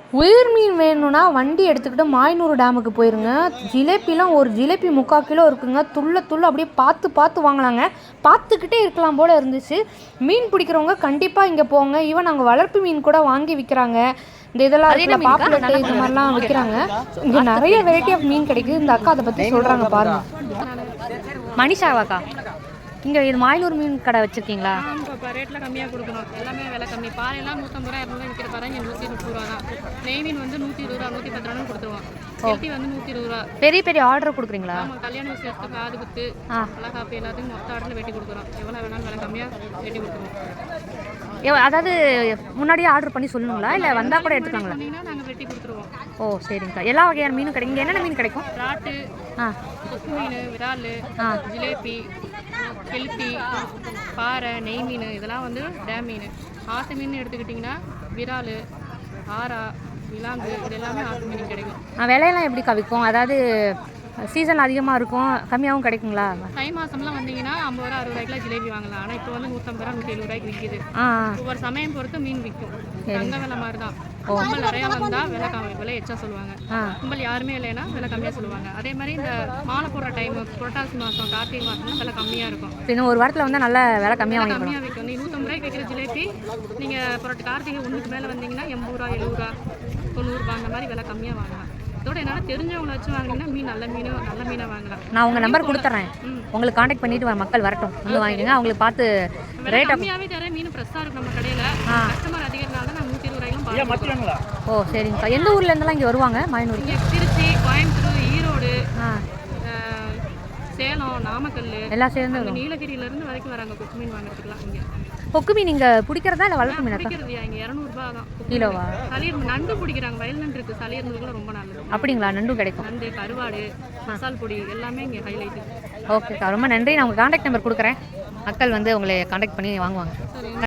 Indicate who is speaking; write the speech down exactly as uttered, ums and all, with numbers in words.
Speaker 1: உயிர் மீன் வேணும்னா வண்டி எடுத்துக்கிட்டு மாயனூர் டேமுக்கு போயிருங்க. ஜிலேபிலாம் ஒரு ஜிலேபி முக்கால் கிலோ இருக்குங்க. துள்ள துள்ள அப்படியே பார்த்து பார்த்து வாங்கலாங்க. பார்த்துக்கிட்டே இருக்கலாம் போல் இருந்துச்சு. மீன் பிடிக்கிறவங்க கண்டிப்பாக இங்கே போங்க. ஈவன் நாங்கள் வளர்ப்பு மீன் கூட வாங்கி விற்கிறாங்க. இந்த இதெல்லாம் இருக்குல்ல பாப்புலெட்டு இது மாதிரிலாம் விற்கிறாங்க. இங்கே நிறைய வெரைட்டி ஆஃப் மீன் கிடைக்குது. இந்த அக்கா அதை பற்றி சொல்கிறாங்க பாருங்கள். மணிஷாவாக்கா, இங்கே இது மாயனூர் மீன் கடை வச்சுருக்கீங்களா?
Speaker 2: இப்போ ரேட்டில் கம்மியாக கொடுக்கணும். எல்லாமே விலை கம்மி. பாறையெல்லாம் நூற்றம்பது ரூபா இரநூறுவா விற்கிற பாரு. இங்கே நூற்றி முப்பது ரூபா தான். நெய் மீன் வந்து நூற்றி இருபது ரூபா நூற்றி பத்து ரூபா கொடுத்துருவோம். கெல்ட்டி வந்து நூற்றி இருபது ரூபா.
Speaker 1: பெரிய பெரிய ஆர்டர் கொடுக்குறீங்களா?
Speaker 2: ஆமாம், கல்யாண விஷயத்துக்கு காது குத்து நல்லா காப்பி எல்லாத்தையும் மொத்த ஆர்டரில் வெட்டி கொடுக்குறோம். எவ்வளோ வேணாலும் விலை கம்மியாக வெட்டி கொடுத்துருவோம்.
Speaker 1: அதாவது முன்னாடியே ஆர்டர் பண்ணி சொல்லணுங்களா இல்லை வந்தால் கூட எடுத்துக்காங்களா?
Speaker 2: நாங்கள் வெட்டி கொடுத்துருவோம்.
Speaker 1: ஓ சரிங்கக்கா. எல்லா வகையான மீனும் கிடைக்கும். இங்கே என்னென்ன மீன் கிடைக்கும்?
Speaker 2: ராட்டு,
Speaker 1: ஆ
Speaker 2: கொக்கு மீன், விரால், ஜிலேபி, கெளுத்தி, பாறை, நெய் மீன் இதெல்லாம் வந்து டேம் மீன். ஆற்று மீன் எடுத்துக்கிட்டிங்கன்னா விரால், ஆரா, விலாங்கு இது எல்லாமே ஆற்று மீன் கிடைக்கும்.
Speaker 1: விலையெல்லாம் எப்படி கவிக்கும்? அதாவது சீசன் அதிகமாக இருக்கும், கம்மியாகவும் கிடைக்குங்களா?
Speaker 2: தை மாதம்லாம் வந்தீங்கன்னா ஐம்பது ரூபா அறுபது ரூபாய்க்குலாம் ஜிலேபி வாங்கலாம். ஆனால் இப்போ வந்து நூற்றம்பது ரூபா நூற்றி எழுபது ரூபாய்க்கு விற்கிது. ஒவ்வொரு சமயம் பொறுத்து மீன் விற்கும். தங்க விலை மாதிரி தான். கும்பல் நிறையா வந்தால் விலை கம்மி விலை எச்சா சொல்லுவாங்க. கும்பல் யாருமே இல்லைன்னா விலை கம்மியாக சொல்லுவாங்க. அதே மாதிரி இந்த மாலை போடுற டைம் புரட்டாசி மாதம் கார்த்திகை மாதம்லாம் விலை கம்மியாக இருக்கும்.
Speaker 1: இன்னும் ஒரு வாரத்தில் வந்து நல்ல விலை கம்மியாக
Speaker 2: கம்மியாக விற்கும். நீ நூற்றம்பது ரூபாய்க்கு வைக்கிற ஜிலேபி நீங்கள் புரட்டு கார்த்திகை ஒன்றுக்கு மேலே வந்தீங்கன்னா எண்பது ரூபா எழுபது ரூபா தொண்ணூறுபா அந்த மாதிரி விலை கம்மியாக வாங்கலாம். இதோட என்னால் தெரிஞ்சவங்களை வச்சு வாங்கினீங்கன்னா மீன் நல்ல மீன் நல்ல மீனாக வாங்கலாம்.
Speaker 1: நான் உங்கள் நம்பர் கொடுத்துட்றேன். உங்களுக்கு காண்டாக்ட் பண்ணிட்டு மக்கள் வரட்டும் வந்து வாங்கிடுங்க. அவங்களுக்கு பார்த்து ரேட்
Speaker 2: கம்மியாகவே தரேன். மீன் ஃப்ரெஷ்ஷாக இருக்கும் நம்ம கடையில். கஸ்டமர் அதிகம்னால நான் நூற்றி இருபது ரூபாய்க்கும் பார்த்துக்கலாம்.
Speaker 1: ஓ சரிங்கக்கா. எந்த ஊர்ல இருந்தெல்லாம் இங்கே வருவாங்க மாயனூர்?
Speaker 2: இங்கே திருச்சி, கோயம்புத்தூர், ஈரோடு, சேலம், நாமக்கல்
Speaker 1: எல்லாம் சேர்ந்து
Speaker 2: நீலகிரியிலேருந்து வரைக்கும் வராங்க கொக்கு மீன் வாங்கிட்டுருக்கலாம். இங்கே
Speaker 1: கொக்கு மீன் நீங்கள் பிடிக்கிறதா இல்லை வளர்ப்பு மீன்?
Speaker 2: பிடிக்கிறதுயா இங்கே இரநூறுபா தான்
Speaker 1: கிலோவா?
Speaker 2: சளியர் நண்டு பிடிக்கிறாங்க. வயல் நண்டு இருக்குது. சளியர் நண்டுக்குள்ள ரொம்ப நல்லது.
Speaker 1: அப்படிங்களா? நண்டும் கிடைக்கும்.
Speaker 2: நண்டு, கருவாடு, மசால் பொடி எல்லாமே இங்கே ஹைலைட்டு.
Speaker 1: ஓகேக்கா, ரொம்ப நன்றி. நான் உங்கள் காண்டாக்ட் நம்பர் கொடுக்குறேன். மக்கள் வந்து உங்களை காண்டாக்ட் பண்ணி வாங்குவாங்க.